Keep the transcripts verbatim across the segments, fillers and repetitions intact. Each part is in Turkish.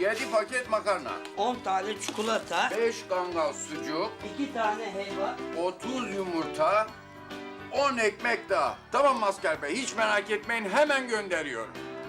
yedi paket makarna, on tane çikolata, beş kangal sucuk, iki tane helva. otuz yumurta, on ekmek daha. Tamam Maskar Bey, hiç merak etmeyin, hemen gönderiyorum.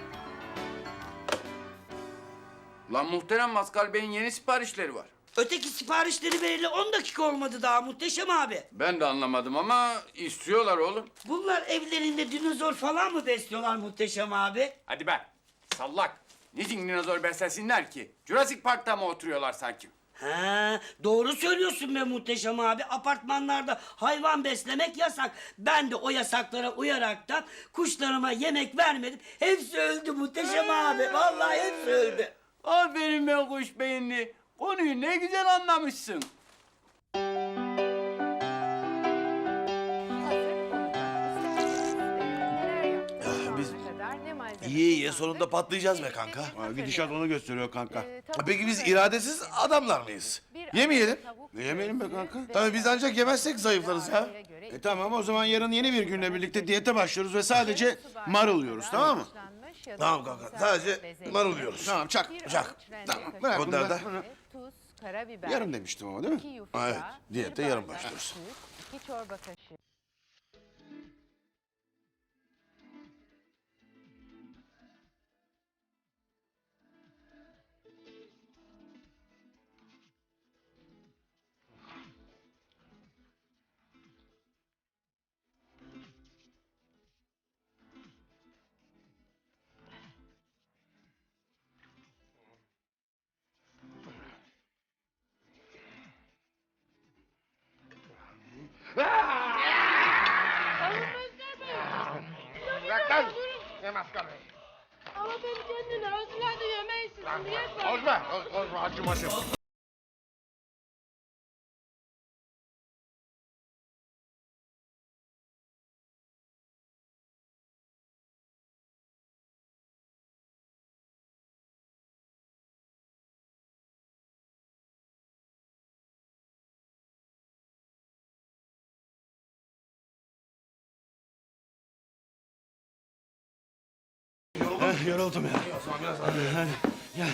Lan muhterem Maskar Bey'in yeni siparişleri var. Öteki siparişleri vereli on dakika olmadı daha Muhteşem abi. Ben de anlamadım ama istiyorlar oğlum. Bunlar evlerinde dinozor falan mı besliyorlar Muhteşem abi? Hadi be, sallak. Niçin dinozor beslesinler ki? Jurassic Park'ta mı oturuyorlar sanki? Ha, doğru söylüyorsun be Muhteşem abi. Apartmanlarda hayvan beslemek yasak. Ben de o yasaklara uyaraktan kuşlarıma yemek vermedim. Hepsi öldü Muhteşem abi. Vallahi hepsi öldü. Aferin be kuş beyinli. Konuyu ne güzel anlamışsın. Biz İyi iyi sonunda patlayacağız be kanka. Ha, gidişat onu gösteriyor kanka. Peki biz iradesiz adamlar mıyız? Yemeyelim. Ne yemeyelim be kanka? Tabii biz ancak yemezsek zayıflarız ya. E tamam o zaman yarın yeni bir günle birlikte diyete başlıyoruz ve sadece marul yiyoruz tamam mı? Tamam kanka sadece marul yiyoruz. Tamam çak çak. Tamam bırak bunları da. Tuz, karabiber. Yarım demiştim ama değil mi? iki yufka, Ha, evet diyete bir yarım bardak başlıyoruz. süt, iki çorba kaşığı. Bırak lan. Ne maskara? Ama beni kendine özgürlerde yemeysin. Niye böyle? Ozma, ozma acımasın. Yoruldum ya. Hadi, gel.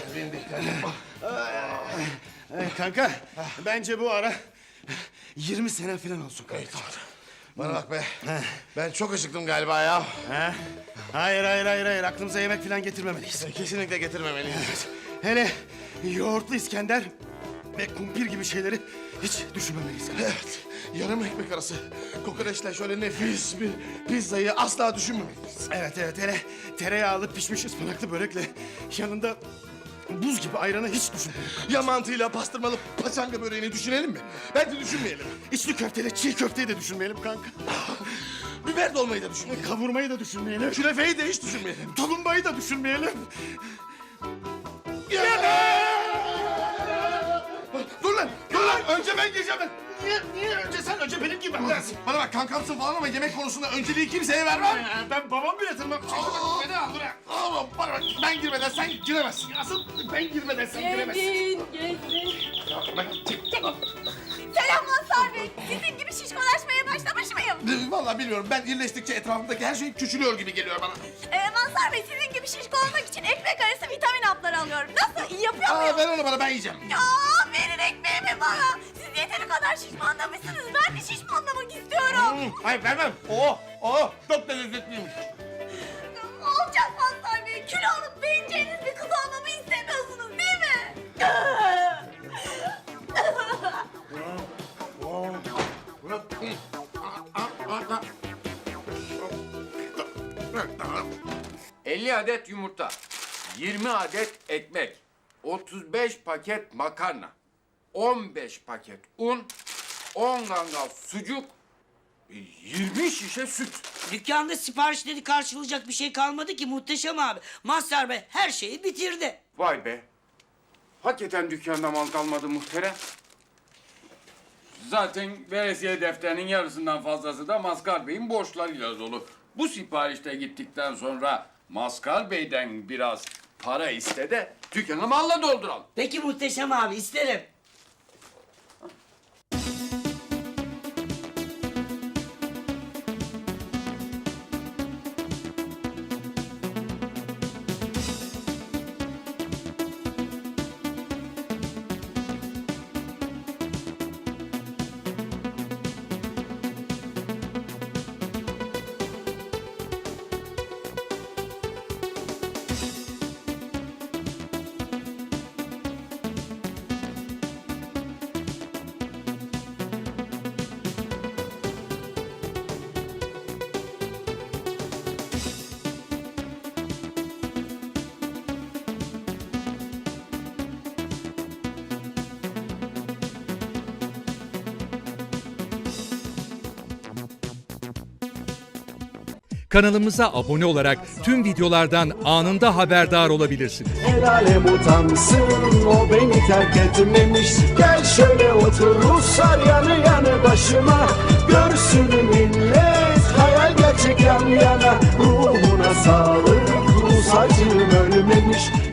Ay, kanka, bence bu ara yirmi sene falan olsun kanka. Bana bak be. Ben çok acıktım galiba ya. Ha? Hayır, hayır, hayır, hayır. Aklımıza yemek falan getirmemeliyiz. Kesinlikle getirmemeliyiz. Hele yoğurtlu İskender ve kumpir gibi şeyleri hiç düşünmemeliyiz. Evet, yarım ekmek arası kokoreçle şöyle nefis bir pizzayı asla düşünmemeliyiz. Evet, evet. Hele tereyağlı pişmiş ıspanaklı börekle yanında buz gibi ayranı hiç düşünmeyelim. Ya mantıyla pastırmalı paçanga böreğini düşünelim mi? Bence düşünmeyelim. İçli köfteyle çiğ köfteyi de düşünmeyelim kanka. Biber dolmayı da düşünmeyelim. Kavurmayı da düşünmeyelim. Künefeyi de hiç düşünmeyelim. Tulumbayı da düşünmeyelim. Dur lan, dur lan. Önce ben gireceğim ben. Niye, niye önce sen önce benim gibi dersin? Bana bak kankamsın falan ama yemek konusunda önceliği kimseye vermem. Ben babam bile tırnak çektim. Beni al buraya. Oğlum bana bak ben girmeden sen giremezsin. Asıl ben girmeden sen giremezsin. Gelin, gelin. Selam Mazhar Bey. Sizin gibi şişkolaşmaya başlamış mıyım? Vallahi bilmiyorum. Ben iyileştikçe etrafımdaki her şey küçülüyor gibi geliyor bana. Ee, Mazhar Bey sizin gibi şişko olmak için ekmek arası vitamin hapları alıyorum. Nasıl? İyi yapıyor Aa, muyum? ver onu bana ben yiyeceğim. Ya verin ekmeğimi bana. Siz yeteri kadar şişmanlamışsınız. Ben de şişmanlamak istiyorum. Hayır vermem. Oo, oo. Çok da lezzetliymiş. Ne olacak Mazhar Bey? Kilo alıp beğeneceğiniz bir kız olmamı istemiyorsunuz değil mi? elli adet yumurta, yirmi adet ekmek, otuz beş paket makarna, on beş paket un, on kangal sucuk, yirmi şişe süt. Dükkanda siparişleri karşılayacak bir şey kalmadı ki Muhteşem abi. Mazhar Bey her şeyi bitirdi. Vay be. Hakikaten dükkanda mal kalmadı muhterem. Zaten veresiye defterinin yarısından fazlası da Maskal Bey'in borçlarıyla dolu. Bu siparişte gittikten sonra Maskal Bey'den biraz para iste de dükkanı malla dolduralım. Peki Muhteşem abi isterim. Kanalımıza abone olarak tüm videolardan anında haberdar olabilirsiniz. El alem utansın, o beni terk etmemiş. Gel şöyle otur Ruslar yanı yanı başıma. Görsün millet, hayal gerçek yan yana. Ruhuna sağlık, Rus acım ölmemiş.